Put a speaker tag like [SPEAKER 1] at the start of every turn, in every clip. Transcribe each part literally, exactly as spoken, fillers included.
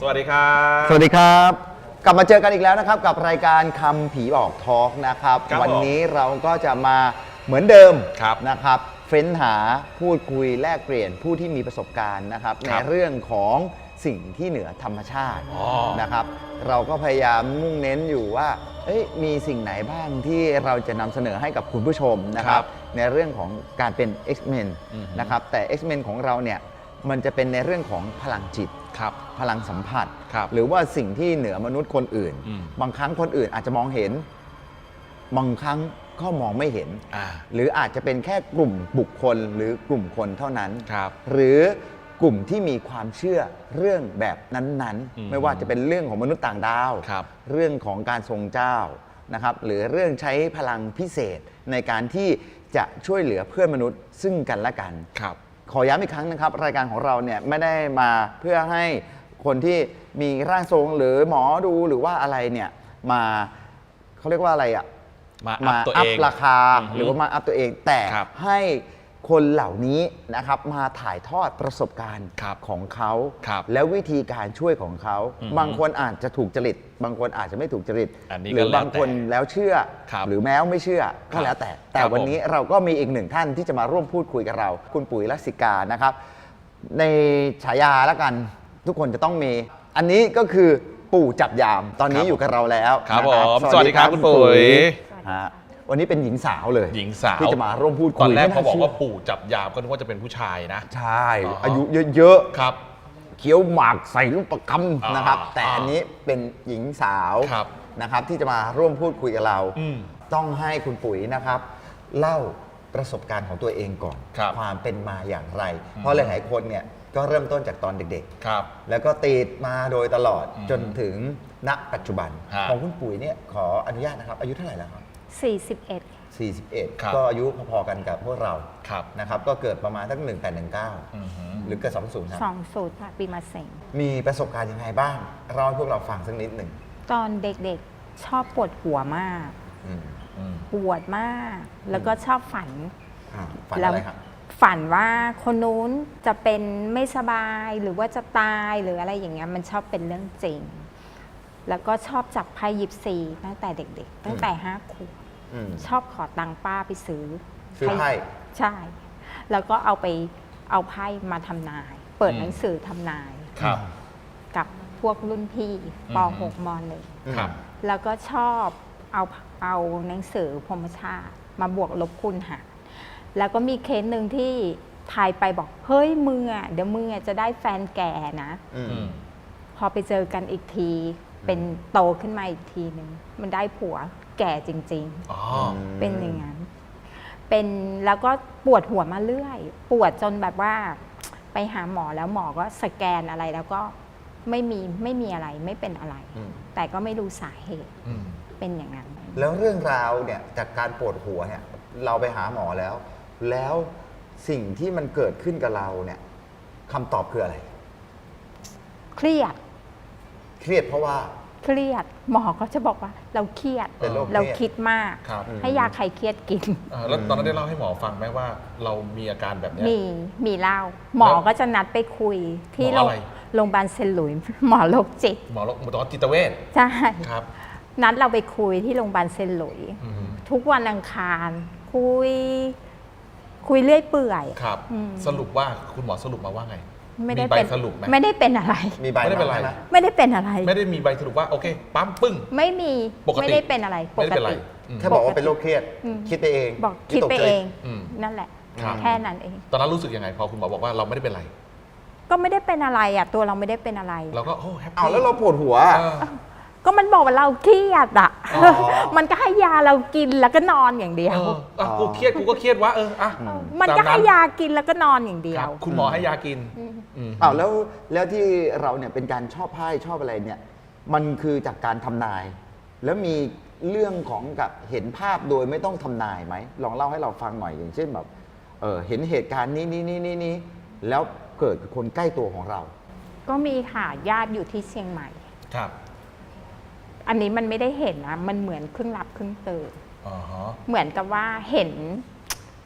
[SPEAKER 1] สวัสดีครับ
[SPEAKER 2] สวัสดีครับกลับมาเจอกันอีกแล้วนะครับกับรายการคำผีบอกทอล์กนะครับวันนี้เราก็จะมาเหมือนเดิมนะครับเฟ้นหาพูดคุยแลกเปลี่ยนผู้ที่มีประสบการณ์นะครับในเรื่องของสิ่งที่เหนือธรรมชาตินะครับเราก็พยายามมุ่งเน้นอยู่ว่ามีสิ่งไหนบ้างที่เราจะนำเสนอให้กับคุณผู้ชมนะครับในเรื่องของการเป็น X-Men นะครับแต่ X-Men ของเราเนี่ยมันจะเป็นในเรื่องของพลังจิตพลังสัมผัสหรือว่าสิ่งที่เหนือมนุษย์คนอื่นบางครั้งคนอื่นอาจจะมองเห็นบางครั้งก็มองไม่เห็นหรืออาจจะเป็นแค่กลุ่มบุคคลหรือกลุ่มคนเท่านั้นหรือกลุ่มที่มีความเชื่อเรื่องแบบนั้นๆไม่ว่าจะเป็นเรื่องของมนุษย์ต่างดาวเรื่องของการทรงเจ้านะครับหรือเรื่องใช้พลังพิเศษในการที่จะช่วยเหลือเพื่อนมนุษย์ซึ่งกันและกันขอย้ำอีกครั้งนะครับรายการของเราเนี่ยไม่ได้มาเพื่อให้คนที่มีร่างทรงหรือหมอดูหรือว่าอะไรเนี่ยมาเขาเรียกว่าอะไรอ่ะ
[SPEAKER 1] มาอัพตัวเอง
[SPEAKER 2] ราคาหรือว่ามาอัพตัวเองแต่ให้คนเหล่านี้นะครับมาถ่ายทอดประสบการณ์ของเขาแล้ววิธีการช่วยของเขาบางคนอาจจะถูกจริตบางคนอาจจะไม่ถูกจริตหรือบางคนแล้วเชื่อหรือแม้ไม่เชื่อก็แล้วแต่แต่วันนี้เราก็มีอีกหนึ่งท่านที่จะมาร่วมพูดคุยกับเราคุณปุ๋ยลักษิกานะครับในฉายาแล้วกันทุกคนจะต้องมีอันนี้ก็คือปู่จับยามตอนนี้อยู่กับเราแล้ว
[SPEAKER 1] ครับผมสวัสดีครับคุณปุ๋ย
[SPEAKER 2] วันนี้เป็นหญิงสาวเลย
[SPEAKER 1] หญิงสาว
[SPEAKER 2] ที่จะมาร่วมพูดคุย
[SPEAKER 1] ตอนแรกเขาบอกว่าปู่จับยามก็นึกว่าจะเป็นผู้ชายนะ
[SPEAKER 2] ใช่อายุเยอะ
[SPEAKER 1] ๆครับ
[SPEAKER 2] เคี้ยวหมากใส่ลูกประคำนะครับแต่อันนี้เป็นหญิงสาวนะครับที่จะมาร่วมพูดคุยกับเราต้องให้คุณปุ๋ยนะครับเล่าประสบการณ์ของตัวเองก่อนความเป็นมาอย่างไรเพราะหลายๆคนเนี่ยก็เริ่มต้นจากตอนเด็กๆแล้วก็ติดมาโดยตลอดจนถึงณปัจจุบันของคุณปุ๋ยเนี่ยขออนุญาตนะครับอายุเท่าไหร่แล้วครับ
[SPEAKER 3] สี่สิบเอ็ด
[SPEAKER 2] สี่สิบเอ็ดก็อายุพอๆกันกับพวกเรานะครับก็เกิดประมาณสักหนึ่งแปดหนึ่งเก้าหรือเกิดสองศูนย์ครับ
[SPEAKER 3] สองศูนย์ค่ะปีมะเส็ง
[SPEAKER 2] มีประสบการณ์ยังไงบ้างเล่าให้พวกเราฟังสักนิดหนึ่ง
[SPEAKER 3] ตอนเด็กๆชอบปวดหัวมากปวดมากแล้วก็ชอบฝัน
[SPEAKER 2] ฝันอะไรครับ
[SPEAKER 3] ฝันว่าคนนู้นจะเป็นไม่สบายหรือว่าจะตายหรืออะไรอย่างเงี้ยมันชอบเป็นเรื่องจริงแล้วก็ชอบจับไพ่ยิปซีตั้งแต่เด็กๆตั้งแต่ห้าขวบชอบขอตังค์ป้าไปซื้อ
[SPEAKER 2] ซื้อไพ่
[SPEAKER 3] ใช่แล้วก็เอาไปเอาไพ่มาทำนายเปิดหนังสือทำนายกับพวกรุ่นพี่ป หก ม หนึ่งแล้วก็ชอบเอาเอาหนังสือพรหมชาติมาบวกลบคูณหารแล้วก็มีเคสหนึ่งที่ทายไปบอกเฮ้ยมึงอ่ะเดี๋ยวมึงอ่ะจะได้แฟนแก่นะพอไปเจอกันอีกทีเป็นโตขึ้นมาอีกทีหนึ่งมันได้ผัวแก่จริงๆเป็นอย่างนั้นเป็นแล้วก็ปวดหัวมาเรื่อยปวดจนแบบว่าไปหาหมอแล้วหมอก็สแกนอะไรแล้วก็ไม่มีไม่มีอะไรไม่เป็นอะไรแต่ก็ไม่รู้สาเหตุเป็นอย่างนั้น
[SPEAKER 2] แล้วเรื่องราวเนี่ยจากการปวดหัวเนี่ยเราไปหาหมอแล้วแล้วสิ่งที่มันเกิดขึ้นกับเราเนี่ยคำตอบคืออะไร
[SPEAKER 3] เครียด
[SPEAKER 2] เครียดเพราะว่า
[SPEAKER 3] เครียดหมอก็จะบอกว่าเราเครียดเราคิดมากให้ยาคลายเครียดกิน
[SPEAKER 1] แล้วตอนนั้นได้เล่าให้หมอฟังไหมว่าเรามีอาการแบบนี้
[SPEAKER 3] มีมีเล่าหมอก็จะนัดไปคุยที่โรงพยาบาลเซนต์หลุยส์หมอโรคจิต
[SPEAKER 1] หมอโรคหมอจิตเวช
[SPEAKER 3] ใช่ครับนัดเราไปคุยที่โรงพยาบาลเซนต์หลุยส์ทุกวันอังคารคุยคุยเรื่อยเปื่อย
[SPEAKER 1] ครับสรุปว่าคุณหมอสรุปมาว่าไง
[SPEAKER 3] ไม่ได้เป็นไม่ได้เป็นอะไร
[SPEAKER 2] มีใบไม่
[SPEAKER 1] ได้เป็นอะไร
[SPEAKER 3] ไม่ได้เป็นอะไร
[SPEAKER 1] ไม่ได้มีใบสรุปว่าโอเคปั๊มปึ้ง
[SPEAKER 3] ไม่มีไม่ได้เป็นอะไรปกติ
[SPEAKER 2] แค่บอกว่าเป็นโรคเครียดคิดไปเอง
[SPEAKER 3] บอกคิดไปเองนั่นแหละแค่นั้นเอง
[SPEAKER 1] ตอนนั้นรู้สึกยังไงพอคุณหมอบอกว่าเราไม่ได้เป็นอะไร
[SPEAKER 3] ก็ไม่ได้เป็นอะไรอ่ะตัวเราไม่ได้เป็นอะไร
[SPEAKER 1] เราก็โอ้แฮปปี้
[SPEAKER 2] เอาแล้วเราปวดหัว
[SPEAKER 3] ก็มันบอกว่าเราเครียดอ่ะมันก็ให้ยาเรากินแล้วก็นอนอย่างเดียว
[SPEAKER 1] กูเครียดกูก็เครียดวะเอออ่ะ
[SPEAKER 3] มันก็ให้ยากินแล้วก็นอนอย่างเดียว
[SPEAKER 1] คุณหมอให้ยากิน
[SPEAKER 2] อ้าวแล้วแล้วที่เราเนี่ยเป็นการชอบไพ่ชอบอะไรเนี่ยมันคือจากการทำนายแล้วมีเรื่องของกับเห็นภาพโดยไม่ต้องทำนายไหมลองเล่าให้เราฟังหน่อยอย่างเช่นแบบเออเห็นเหตุการณ์นี้นี้นี้นี้นี้แล้วเกิดคนใกล้ตัวของเรา
[SPEAKER 3] ก็มีค่ะญาติอยู่ที่เชียงใหม่
[SPEAKER 1] ครับ
[SPEAKER 3] อันนี้มันไม่ได้เห็นนะมันเหมือนครึ่งหลับครึ่งตื่นเหมือนกับว่าเห็น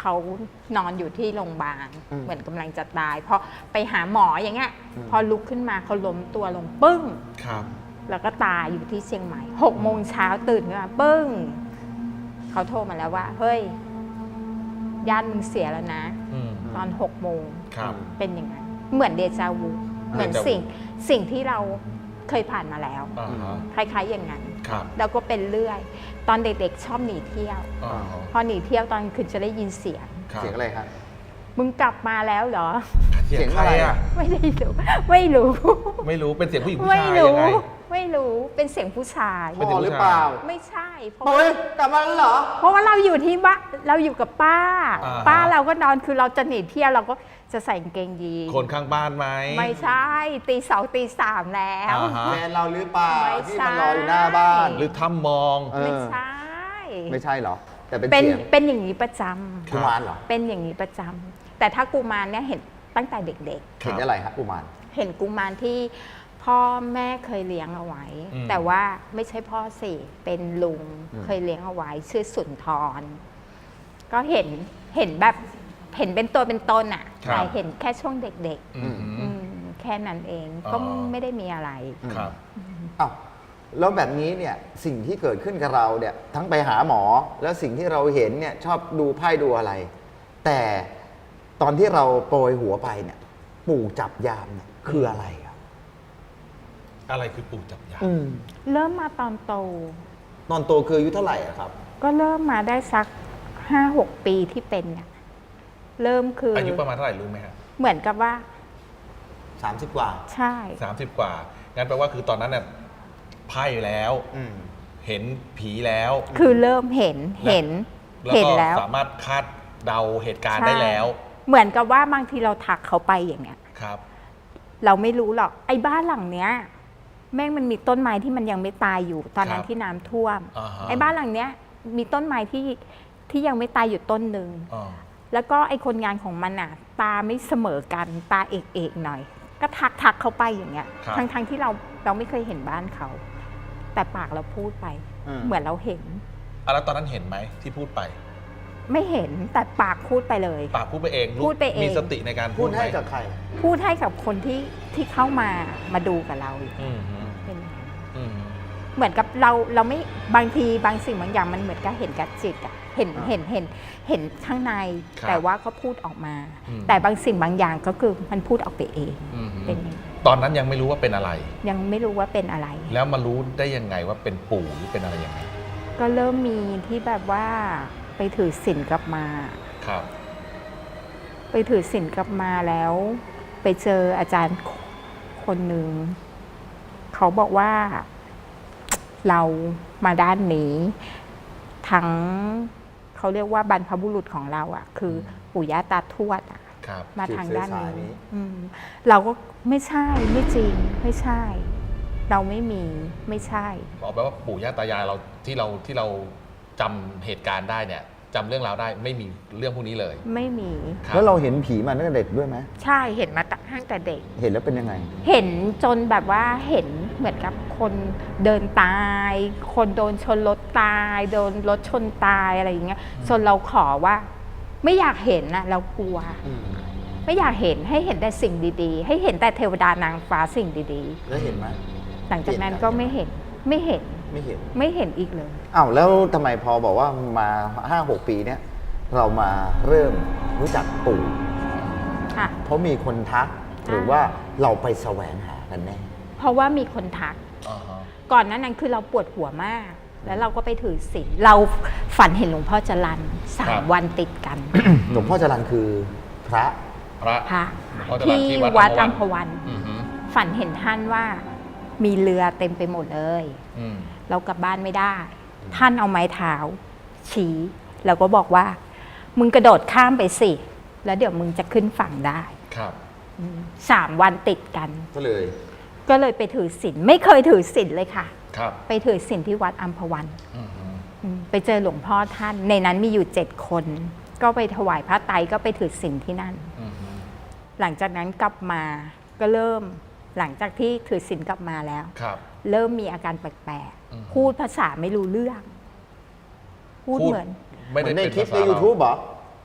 [SPEAKER 3] เขานอนอยู่ที่โรงพยาบาล
[SPEAKER 2] อืม
[SPEAKER 3] เหมือนกำลังจะตายพอไปหาหมออย่างเงี้ย
[SPEAKER 2] อืม
[SPEAKER 3] พอลุกขึ้นมาเขาล้มตัวลงปึ้ง
[SPEAKER 1] ครับ
[SPEAKER 3] แล้วก็ตายอยู่ที่เชียงใหม่หกโมงเช้าตื่นขึ้นมาปึ้งเขาโทรมาแล้วว่า เฮ้ยญาติมึงเสียแล้วนะ
[SPEAKER 1] อืม
[SPEAKER 3] ตอนหกโมง
[SPEAKER 1] ครับ
[SPEAKER 3] เป็นอย่างนั้นเหมือนเดจาวูเหมือน
[SPEAKER 1] เดจาวู
[SPEAKER 3] สิ่งสิ่งที่เราเคยผ่านมาแล้ว
[SPEAKER 1] อ่าฮะ
[SPEAKER 3] คล้ายๆอย่างนั้น
[SPEAKER 1] ครับ
[SPEAKER 3] แล้วก็เป็นเรื่อย ตอนเด็กๆชอบหนีเที่ยว
[SPEAKER 1] อ่าฮะ
[SPEAKER 3] พอหนีเที่ยวตอนคืนจะได้ยินเสียง
[SPEAKER 1] ครับ
[SPEAKER 2] เสียงอะไรครับ
[SPEAKER 3] มึงกลับมาแล้วเหรอ
[SPEAKER 1] เสียงใคร
[SPEAKER 2] เสียงอะไร
[SPEAKER 1] อ่ะ
[SPEAKER 2] อะ
[SPEAKER 3] ไม่ได้รู้ไม่รู้
[SPEAKER 1] ไม่รู้เป็นเสียงผู้หญิงผู้
[SPEAKER 3] ไม่
[SPEAKER 1] ชาย
[SPEAKER 3] รู้
[SPEAKER 1] ยังไง
[SPEAKER 3] ไม่รู้เป็นเสียงผู้ชาย
[SPEAKER 1] เป็น
[SPEAKER 2] พ่อหรือเปล่า
[SPEAKER 3] ไม่ใช่เพราะ
[SPEAKER 2] เฮ้ยกลับมาแล้วเหรอ
[SPEAKER 3] เพราะว่าเราอยู่ที่บ้านเราอยู่กับป้า
[SPEAKER 1] อ่าฮะ
[SPEAKER 3] ป้าเราก็นอนคือเราจะหนีเที่ยวเราก็จะใส่กางเกงยีน
[SPEAKER 1] คนข้างบ้านไหม
[SPEAKER 3] ไม่ใช่ตีสองตีสามแล้ว
[SPEAKER 1] อ่าฮะ
[SPEAKER 2] แฟนเราหรือเปล่า
[SPEAKER 3] ไม่
[SPEAKER 2] ที่
[SPEAKER 3] ใช่
[SPEAKER 2] มันรออยู่หน้าบ้าน
[SPEAKER 1] หรือถ้ำมอง
[SPEAKER 2] เออ
[SPEAKER 3] ไม่ใช่
[SPEAKER 2] ไม่ใช่เหรอ แต่เป็น
[SPEAKER 3] เป็น
[SPEAKER 2] เสียง
[SPEAKER 3] เป็นอย่างนี้ประจำ
[SPEAKER 2] กุมารเหรอ
[SPEAKER 3] เป็นอย่างนี้ประจำแต่ถ้ากุมารเนี่ยเห็นตั้งแต่เด็ก
[SPEAKER 1] ครับ
[SPEAKER 2] เห็นอะไรครับกุมาร
[SPEAKER 3] ๆ เห็นกุมารที่พ่อแม่เคยเลี้ยงเอาไว้
[SPEAKER 1] อืม
[SPEAKER 3] แต่ว่าไม่ใช่พ่อสิเป็นลุง
[SPEAKER 2] อืม
[SPEAKER 3] เคยเลี้ยงเอาไว้ชื่อสุนทร ก็เห็นเห็นแบบเห็นเป็นตัวเป็นตนอะ
[SPEAKER 1] ครับ
[SPEAKER 3] แต่เห็นแค่ช่วงเด็ก
[SPEAKER 1] อืม
[SPEAKER 3] ๆอืมแค่นั้นเอง
[SPEAKER 1] อ๋อ
[SPEAKER 3] ก็ไม่ได้มีอะไร
[SPEAKER 1] ครับ
[SPEAKER 2] อ้าวแล้วแบบนี้เนี่ยสิ่งที่เกิดขึ้นกับเราเนี่ยทั้งไปหาหมอ แล้วสิ่งที่เราเห็นเนี่ยชอบดูไพ่ดูอะไร แต่ตอนที่เราโปรยหัวไปเนี่ย ปู่จับยามเนี่ยคืออะไรอ่ะ
[SPEAKER 1] อะไรคือปู่จับยาม
[SPEAKER 2] อืม
[SPEAKER 3] เริ่มมาตอนโต
[SPEAKER 2] ตอนโตคืออายุเท่าไหร่อะครับ
[SPEAKER 3] ก็เริ่มมาได้สักห้าหกปีที่เป็นเนี่ยเริ่มคือ
[SPEAKER 1] อา
[SPEAKER 3] อา
[SPEAKER 1] ยุประมาณเท่าไหร่รู้ไหมฮะ
[SPEAKER 3] เหมือนกับว่า
[SPEAKER 2] สามสิบกว่า
[SPEAKER 3] ใช่
[SPEAKER 1] สามสิบกว่า งั้นแปลว่าคือตอนนั้นเนี่ยไพ่แล้ว
[SPEAKER 2] อืม
[SPEAKER 1] เห็นผีแล้ว
[SPEAKER 3] คือเริ่มเห็นเห็น
[SPEAKER 1] แล้ว
[SPEAKER 3] เห็น
[SPEAKER 1] ก็
[SPEAKER 3] แล้ว
[SPEAKER 1] สามารถคาดเดาเหตุการณ์
[SPEAKER 3] ใช่
[SPEAKER 1] ได้แล้ว
[SPEAKER 3] เหมือนกับว่าบางทีเราทักเขาไปอย่างเงี้ย
[SPEAKER 1] ครับ
[SPEAKER 3] เราไม่รู้หรอกไอ้บ้านหลังเนี้ย แม่งมันมีต้นไม้ที่มันยังไม่ตายอยู่ ตอนนั้
[SPEAKER 1] คน รับ
[SPEAKER 3] ที่น้ำท่วม
[SPEAKER 1] อ่าฮะ
[SPEAKER 3] ไอ้บ้านหลังเนี้ย มีต้นไม้ที่ที่ยังไม่ตายอยู่ต้นหนึ่ง
[SPEAKER 1] อ๋อ
[SPEAKER 3] แล้วก็ไอ้คนงานของมันอ่ะ ตาไม่เสมอกันตาเอกเอกๆหน่อย ก็ทักทักเขาไปอย่างเงี้ย
[SPEAKER 1] ครับ
[SPEAKER 3] ทั้งทั้งที่เราเราไม่เคยเห็นบ้านเขา แต่ปากเราพูดไป
[SPEAKER 2] อืม
[SPEAKER 3] เหมือนเราเห็น
[SPEAKER 1] อ่ะแล้วตอนนั้นเห็นไหมที่พูดไป
[SPEAKER 3] ไม่เห็นแต่ปากพูดไปเลย
[SPEAKER 1] ปากพูดไปเองรู้
[SPEAKER 3] พูดไปเอง
[SPEAKER 1] มีสติในการ
[SPEAKER 2] พู
[SPEAKER 1] พู
[SPEAKER 2] ด
[SPEAKER 1] ดไหม
[SPEAKER 2] ให้กับใคร
[SPEAKER 3] พูดให้กับคนที่ที่เข้ามามาดูกับเรา
[SPEAKER 1] อืมฮึ
[SPEAKER 3] เป็นอย่างนั้น
[SPEAKER 1] อืม
[SPEAKER 3] เหมือนกับเราเราไม่บางทีบางสิ่งบางอย่างมันเหมือนกับเห็นกับจิตอะเห็น
[SPEAKER 2] อ่า
[SPEAKER 3] เห็นเห็นเห็นข้างใน
[SPEAKER 1] ครับ
[SPEAKER 3] แต่ว่าก็พูดออกมา
[SPEAKER 1] อืม
[SPEAKER 3] แต่บางสิ่งบางอย่างก็คือมันพูดออกไปเอง
[SPEAKER 1] อืมฮึ
[SPEAKER 3] เป็นอย่างนั้น
[SPEAKER 1] ตอนนั้นยังไม่รู้ว่าเป็นอะไร
[SPEAKER 3] ยังไม่รู้ว่าเป็นอะไร
[SPEAKER 1] แล้วมารู้ได้ยังไงว่าเป็นปู่หรือเป็นอะไรยังไง
[SPEAKER 3] ก็เริ่มมีที่แบบว่าไปถือศีลกลับมา
[SPEAKER 1] ครับ
[SPEAKER 3] ไปถือศีลกลับมาแล้ว ไปเจออาจารย์คนหนึ่งเขาบอกว่าเรามาด้านนี้ ทั้งเขาเรียกว่าบรรพบุรุษของเราอะ่ะ คือปู่ย่าตาทวดอะ
[SPEAKER 1] ครับ
[SPEAKER 3] มาทางด้าน
[SPEAKER 2] สืบเชื้อสายนี้
[SPEAKER 3] นี้อืมเราก็ไม่ใช่ไม่จริง ไม่ใช่ เราไม่มีไม่ใช่
[SPEAKER 1] บอกไปว่าปู่ย่าตายายเราที่เราที่เราจำเหตุการณ์ได้เนี่ยจำเรื่องราวได้ไม่มีเรื่องพวกนี้เลย
[SPEAKER 3] ไม่มี
[SPEAKER 1] คบ
[SPEAKER 2] แล้วเราเห็นผีมาตั้งแต่เด็กด้วยไหม
[SPEAKER 3] ใช่เห็นมาตั้งแต่เด็ก
[SPEAKER 2] เห็นแล้วเป็นยังไง
[SPEAKER 3] เห็นจนแบบว่าเห็นเหมือนกับคนเดินตาย คนโดนชนรถตาย โดนรถชนตายอะไรอย่างเงี้ยจนเราขอว่า ไม่อยากเห็นนะเรากลัว ไม่อยากเห็นให้เห็นแต่สิ่งดีๆ ให้เห็นแต่เทวดานางฟ้าสิ่งดี
[SPEAKER 2] แล้วเห็นไหม
[SPEAKER 3] ๆ หลังจากนั้นก็ไม่เห็นไม่เห็น
[SPEAKER 2] ไม่เห็น
[SPEAKER 3] ไม่เห็นอีกเลย
[SPEAKER 2] อ้าวแล้วทำไมพอบอกว่ามาห้าหกปีเนี้ยเรามาเริ่มรู้จักปู่
[SPEAKER 3] ค่ะ
[SPEAKER 2] เพราะมีคนทัก หรือว่าเราไปแสวงหากันแน่
[SPEAKER 3] เพราะว่ามีคนทัก
[SPEAKER 1] อ่าฮะ
[SPEAKER 3] ก่อนหนั้นนั้นคือเราปวดหัวมาก แล้วเราก็ไปถือศีลเราฝันเห็นหลวงพ่อจรันสามวันติดกัน
[SPEAKER 2] หลวงพ่อจรันคือพระ
[SPEAKER 1] พระ
[SPEAKER 3] พระ
[SPEAKER 1] หลวงพ่อจรัญ
[SPEAKER 3] ที่
[SPEAKER 1] ที่
[SPEAKER 3] วั
[SPEAKER 1] วั
[SPEAKER 3] ด
[SPEAKER 1] ด
[SPEAKER 3] อั
[SPEAKER 1] อั
[SPEAKER 3] ม
[SPEAKER 1] ม
[SPEAKER 3] พ
[SPEAKER 1] พ
[SPEAKER 3] วั
[SPEAKER 1] วัน
[SPEAKER 3] น
[SPEAKER 1] อือฮึ
[SPEAKER 3] ฝันเห็นท่านว่ามีเรือเต็มไปหมดเลย
[SPEAKER 1] อืม
[SPEAKER 3] เรากลับบ้านไม่ได้ ท่านเอาไม้เท้า ชี้แล้วก็บอกว่า มึงกระโดดข้ามไปสิ แล้วเดี๋ยวมึงจะขึ้นฝั่งได้
[SPEAKER 1] ครับ
[SPEAKER 3] อืมสามวันติดกัน
[SPEAKER 2] ก็เลย
[SPEAKER 3] ก็เลยไปถือศีลไม่เคยถือศีลเลยค่ะ
[SPEAKER 1] ครับ
[SPEAKER 3] ไปถือศีลที่วัดอัมพวัน
[SPEAKER 1] อือฮึ
[SPEAKER 3] อืมไปเจอหลวงพ่อท่าน ในนั้นมีอยู่เจ็ดคน ก็ไปถวายพระไตรก็ไปถือศีลที่นั่น
[SPEAKER 1] อือฮึ
[SPEAKER 3] หลังจากนั้นกลับมาก็เริ่มหลังจากที่ถือศีลกลับมาแล้ว
[SPEAKER 1] ครับ
[SPEAKER 3] เริ่มมีอาการแปลก
[SPEAKER 1] อืม
[SPEAKER 3] ๆ พูดภาษาไม่รู้เรื่อง พูดเหมือน
[SPEAKER 1] ไม่
[SPEAKER 2] เหมื
[SPEAKER 1] ได้
[SPEAKER 2] อนใน
[SPEAKER 1] เป็น
[SPEAKER 2] คลิป
[SPEAKER 1] ภา
[SPEAKER 2] ใน
[SPEAKER 1] ษาเรา
[SPEAKER 2] YouTube เหรอ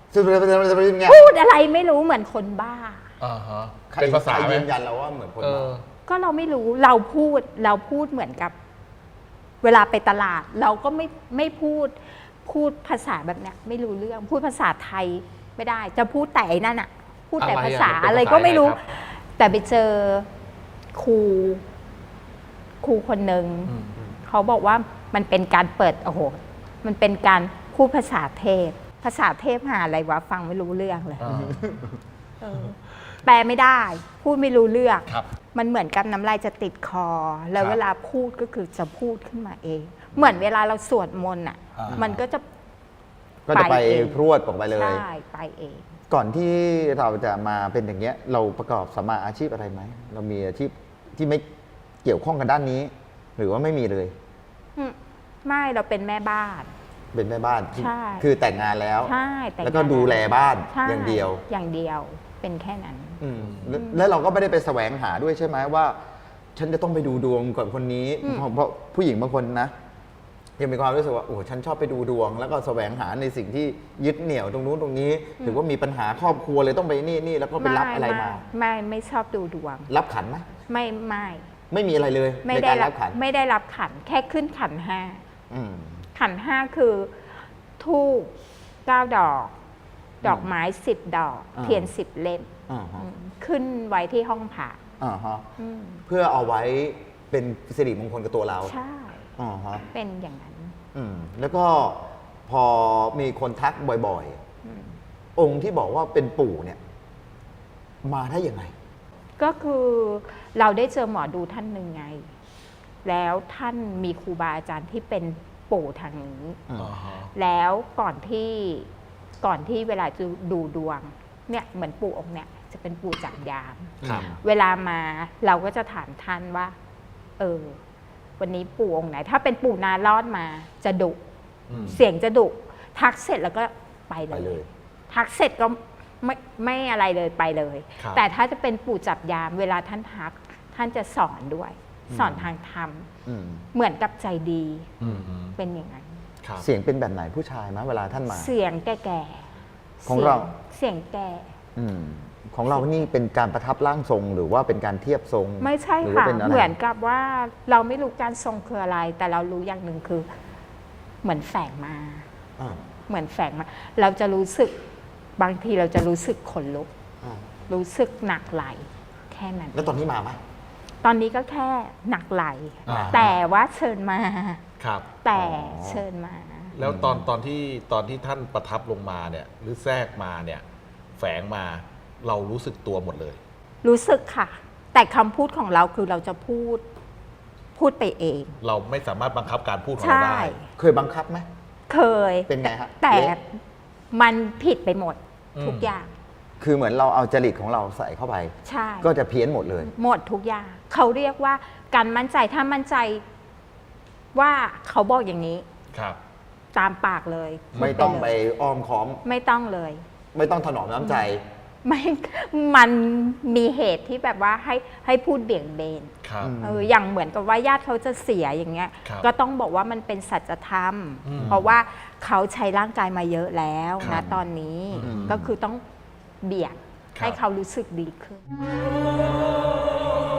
[SPEAKER 2] ซึ่งเป็นไง
[SPEAKER 3] พูดอะไรไม่รู้เหมือนคนบ้า
[SPEAKER 1] อ่าฮะ
[SPEAKER 2] ใคร
[SPEAKER 1] เป็นภาษา
[SPEAKER 2] ใคร
[SPEAKER 1] ไหม
[SPEAKER 2] ยืนยันเราว่าเหมือนคน
[SPEAKER 1] เอ
[SPEAKER 2] บ้า
[SPEAKER 1] อ
[SPEAKER 3] ก็เราไม่รู้เราพูดเราพูดเหมือนกับ เวลาไปตลาด เราก็ไม่ไม่พูดพูดภาษาแบบเนี้ยไม่รู้เรื่องพูดภาษาไทยไม่ได้ จะพูดแต่ไอ้นั่นอะพูดแต่
[SPEAKER 1] อะไรอะ
[SPEAKER 3] ภาษา
[SPEAKER 1] มันเป็น
[SPEAKER 3] อะไร
[SPEAKER 1] ภาษา
[SPEAKER 3] ก็ไม่รู้
[SPEAKER 1] ยังไงครับ
[SPEAKER 3] แต่ไปเจอครูครูคนหนึ่ง
[SPEAKER 1] อืม
[SPEAKER 3] เขาบอกว่ามันเป็นการเปิดโอ้โหมันเป็นการพูดภาษาเทพ ภาษาเทพหาอะไรวะฟังไม่รู้เรื่องเลย
[SPEAKER 1] อ่า
[SPEAKER 3] เออแปลไม่ได้ พูดไม่รู้เรื่อง
[SPEAKER 1] ครับ
[SPEAKER 3] มันเหมือนกับน้ำลายจะติดคอ แล้ว
[SPEAKER 1] ครับ
[SPEAKER 3] เวลาพูดก็คือจะพูดขึ้นมาเอง เหมือนเวลาเราสวดมนต์อ่ะ
[SPEAKER 2] อ่ามั
[SPEAKER 3] มันก็จะ
[SPEAKER 2] ก็จะไป
[SPEAKER 3] ไปเอง
[SPEAKER 2] พรวดออกไปเลย
[SPEAKER 3] ใช่ไปเอง
[SPEAKER 2] ก่อนที่เราจะมาเป็นอย่างเงี้ย เราประกอบสัมมาอาชีพอะไรไหม เรามีอาชีพที่ไม่เกี่ยวข้องกับด้านนี้ หรือว่าไม่มีเลย
[SPEAKER 3] อืมไม่เราเป็นแม่บ้าน
[SPEAKER 2] เป็นแม่บ้านที่
[SPEAKER 3] ใช่
[SPEAKER 2] คือแต่งงานแล้ว
[SPEAKER 3] ใช่แต่ง
[SPEAKER 2] แล้วก็
[SPEAKER 3] งาน
[SPEAKER 2] ดูแลบ้าน
[SPEAKER 3] ใช่
[SPEAKER 2] อย่างเดียว
[SPEAKER 3] อย่างเดียวเป็นแค่นั้น
[SPEAKER 2] อืมแล้วแล้วเราก็ไม่ได้ไปแสวงหาด้วยใช่ไหมว่า ฉันจะต้องไปดูดวงกับคนนี้
[SPEAKER 3] อืม
[SPEAKER 2] เพราะเพราะผู้หญิงบางคนนะยังมีความรู้สึกว่าโอ้ฉันชอบไปดูดวง แล้วก็แสวงหาในสิ่งที่ยึดเหนี่ยวตรงนู้นตรงนี้ หรือว่ามีปัญหาครอบครัวเลยต้องไปนี่นี่แล้วก็ไปรับอะไรมา
[SPEAKER 3] ไม่ไม่ไม่ชอบดูดวง
[SPEAKER 2] รับขันไหม
[SPEAKER 3] ไม่ไม่
[SPEAKER 2] ไม่มีอะไรเลย
[SPEAKER 3] ไม่
[SPEAKER 2] ใน
[SPEAKER 3] ได้
[SPEAKER 2] การ
[SPEAKER 3] รั
[SPEAKER 2] รั
[SPEAKER 3] บบ
[SPEAKER 2] ขัน
[SPEAKER 3] ไม่ได้รับขันแค่ขึ้นขันห้า
[SPEAKER 2] อืม
[SPEAKER 3] ขันห้าคือทูบเก้าดอก ดอกไม้สิบดอก
[SPEAKER 2] อ่า
[SPEAKER 3] เทียนสิบเล่ม
[SPEAKER 2] อ่าฮะ
[SPEAKER 3] อืมขึ้นไว้ที่ห้องผ่า
[SPEAKER 2] อ่าฮะ
[SPEAKER 3] อืม
[SPEAKER 2] เพื่อเอาไว้เป็นสิริมงคลกับตัวเรา
[SPEAKER 3] ใช่
[SPEAKER 2] อ่าฮะ
[SPEAKER 3] เป็นอย่างนั้น
[SPEAKER 2] อืมแล้วก็พอมีคนทักบ่อย
[SPEAKER 3] อืม
[SPEAKER 2] ๆ องค์ที่บอกว่าเป็นปู่เนี่ย มาได้ยังไง
[SPEAKER 3] ก็คือเราได้เจอหมอดูท่านหนึ่งไง แล้วท่านมีครูบาอาจารย์ที่เป็นปู่ทางนี้
[SPEAKER 2] อืม
[SPEAKER 1] อ่าฮะ
[SPEAKER 3] แล้วก่อนที่ก่อนที่เวลาจะดูดวงเนี่ยเหมือนปู่องค์เนี่ยจะเป็นปู่จับยาม
[SPEAKER 1] ครับ
[SPEAKER 3] เวลามาเราก็จะถามท่านว่า เออ วันนี้ปู่องค์ไหน ถ้าเป็นปู่นารอดมาจะดุ
[SPEAKER 1] อืม
[SPEAKER 3] เสียงจะดุทักเสร็จแล้วก็ไปเล
[SPEAKER 2] ไปเลย
[SPEAKER 3] ย ทักเสร็จก็ไม่ไม่อะไรเลยไปเลย
[SPEAKER 1] ครับ
[SPEAKER 3] แต่ถ้าจะเป็นปู่จับยาม เวลาท่านทัก ท่านจะสอนด้วย สอนทางธรรม
[SPEAKER 2] อืม
[SPEAKER 3] เหมือนกับใจดี
[SPEAKER 1] อืมอืม
[SPEAKER 3] เป็นอย่างนั้น
[SPEAKER 1] ครับ
[SPEAKER 2] เสียงเป็นแบบไหนผู้ชายมะเวลาท่านมา
[SPEAKER 3] เสียงแก่ๆ
[SPEAKER 2] ของเรา
[SPEAKER 3] เสียงแก่
[SPEAKER 2] อืมของเรานี่เป็นการประทับร่างทรง หรือว่าเป็นการเทียบทรง
[SPEAKER 3] ไม่ใช่
[SPEAKER 2] หรือ
[SPEAKER 3] ค่ะ
[SPEAKER 2] ว่าเป็นอะไร
[SPEAKER 3] เหมือนกับว่าเราไม่รู้การทรงคืออะไร แต่เรารู้อย่างหนึ่งคือ เหมือนแฝงมา
[SPEAKER 2] อ่า
[SPEAKER 3] เหมือนแฝงมา เราจะรู้สึกบางทีเราจะรู้สึกขนลุก
[SPEAKER 2] อ่า
[SPEAKER 3] รู้สึกหนักไหลแค่นั้น
[SPEAKER 2] แล้วตอนนี้มาไหม
[SPEAKER 3] ตอนนี้ก็แค่หนักไหล
[SPEAKER 1] อ่า
[SPEAKER 3] แต่ว่าเชิญมา
[SPEAKER 1] ครับ
[SPEAKER 3] แต่เชิญมา
[SPEAKER 1] แล้วตอนตอนที่ตอนที่ท่านประทับลงมาเนี่ย หรือแทรกมาเนี่ย แฝงมาเรารู้สึกตัวหมดเลย
[SPEAKER 3] รู้สึกค่ะ แต่คำพูดของเราคือเราจะพูดพูดไปเอง
[SPEAKER 1] เราไม่สามารถบังคับการพูดของ
[SPEAKER 3] ใช่
[SPEAKER 1] เราได้
[SPEAKER 2] เคยบังคับไหม
[SPEAKER 3] เคย
[SPEAKER 2] เป็นไงฮะ
[SPEAKER 3] แต่
[SPEAKER 2] เละ
[SPEAKER 3] มันผิดไปหมด
[SPEAKER 1] อืม
[SPEAKER 3] ทุกอย่าง
[SPEAKER 2] คือเหมือนเราเอาจริตของเราใส่เข้าไป
[SPEAKER 3] ใช่
[SPEAKER 2] ก็จะเพี้ยนหมดเลย
[SPEAKER 3] หมดทุกอย่าง เขาเรียกว่าการมั่นใจถ้ามั่นใจว่าเขาบอกอย่างนี้
[SPEAKER 1] ครับ
[SPEAKER 3] ตามปากเลย
[SPEAKER 2] ไม่ต้องไป
[SPEAKER 3] พูดเลย
[SPEAKER 2] อ้อมค้อม
[SPEAKER 3] ไม่ต้องเลย
[SPEAKER 2] ไม่ต้องถนอมน้ำใจ
[SPEAKER 3] ไม่ มันมีเหตุที่แบบว่าให้ให้พูดเบี่ยงเบน
[SPEAKER 1] ครับ
[SPEAKER 2] อืม
[SPEAKER 3] เอออย่างเหมือนกับว่าญาติเขาจะเสียอย่างเงี้ย
[SPEAKER 1] ครับ
[SPEAKER 3] ก็ต้องบอกว่ามันเป็นสัจธรรม
[SPEAKER 1] อืม
[SPEAKER 3] เพราะว่าเขาใช้ร่างกายมาเยอะแล้ว
[SPEAKER 1] ครั
[SPEAKER 3] นะ
[SPEAKER 1] บ
[SPEAKER 3] ตอนนี้
[SPEAKER 2] อืม
[SPEAKER 3] ก็คือต้องเบี่ยง
[SPEAKER 1] ครับ
[SPEAKER 3] ให้เขารู้สึกดีขึ้น